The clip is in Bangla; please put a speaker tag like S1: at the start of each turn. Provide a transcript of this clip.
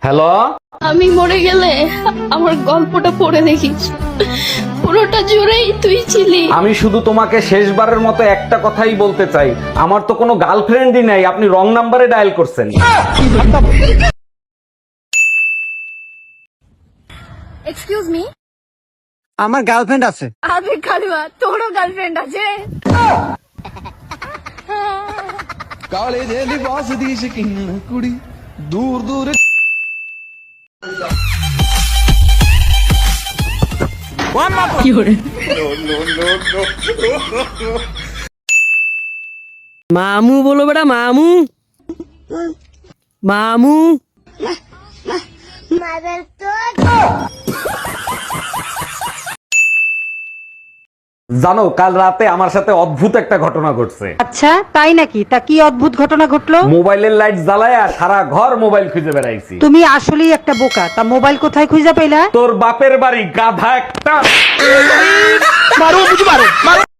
S1: হ্যালো,
S2: আমি মরে গেলে আমার গল্পটা পড়ে দেখিস, পুরোটা জুড়েই তুই ছিলি।
S1: আমি শুধু তোমাকে শেষবারের মতো একটা কথাই বলতে চাই, আমার তো কোনো গার্লফ্রেন্ডই নাই, আপনি রং নাম্বারে ডায়াল করছেন।
S2: এক্সকিউজ মি,
S3: আমার গার্লফ্রেন্ড আছে।
S2: আবে কালুয়া, তোরও গার্লফ্রেন্ড আছে?
S4: ਕਾਲੇ ਦੇ ਲਿਬਾਸ ਦੀ ਸ਼ਕੀਨ ਕੁੜੀ ਦੂਰ ਦੂਰ
S5: মামু বলো বেটা, মামু মামু।
S1: জানো, কাল রাতে আমার সাথে অদ্ভুত একটা ঘটনা ঘটছে।
S6: আচ্ছা তাই নাকি? তা কি অদ্ভুত ঘটনা ঘটলো?
S1: মোবাইলের লাইট জ্বালায়া সারা ঘর মোবাইল খুঁজে বেড়াইছি।
S6: তুমি আসলেই একটা বোকা। তা মোবাইল কোথায় খুঁজে পেলা?
S1: তোর বাপের বাড়ি, গাধা একটা।
S3: মারো বুঝি মারো।